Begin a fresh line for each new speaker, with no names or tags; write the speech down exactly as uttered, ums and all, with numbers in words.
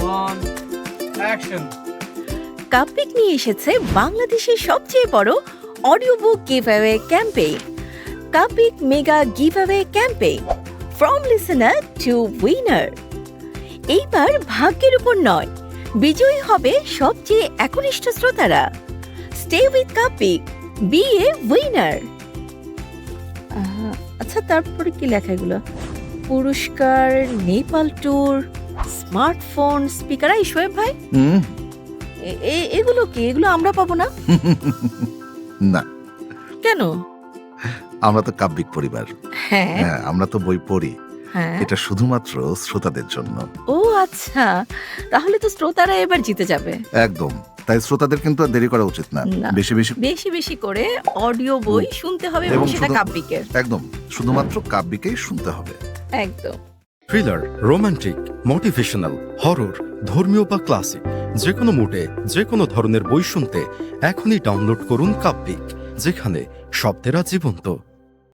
On action.
কাপিক নিয়ে এসেছে বাংলাদেশের সবচেয়ে বড় audio book giveaway campaign, Kapik mega giveaway campaign, from listener to winner. এইবার ভাগ্যের উপর নয়, বিজয়ী হবে সবচেয়ে একনিষ্ঠ শ্রোতারা। Stay with Kapik, be a winner. আচ্ছা, তারপরে কি লেখা এগুলো? পুরস্কার, নেপাল ট্যুর, স্মার্টফোন, স্পিকার। এই শোয়েব ভাই,
হুম
এ- এ- এগুলো কি? এগুলো আমরা পাবো না
না,
কেন?
আমরা তো কাব্যিক পরিবার।
হ্যাঁ
হ্যাঁ, আমরা তো বই পড়ি।
হ্যাঁ।
এটা শুধুমাত্র শ্রোতাদের জন্য।
ও আচ্ছা, তাহলে তো শ্রোতারা এবার জিতে যাবে।
একদম, তাই শ্রোতাদের কিন্তু আর দেরি করা উচিত না।
না।
বেশি বেশি
বেশি বেশি করে অডিও বই শুনতে হবে এবং
এবং
সেটা
শুধু-
কাব্যিকের।
একদম, শুধুমাত্র কাব্যিকেই শুনতে হবে।
একদম।
থ্রিলার, রোমান্টিক, মোটিভেশনাল, হরর, ধর্মীয় বা ক্লাসিক, যে কোনো মুডে যে কোনো ধরনের বই শুনতে এখনই ডাউনলোড করুন কাব্যিক, যেখানে শব্দেরা জীবন্ত।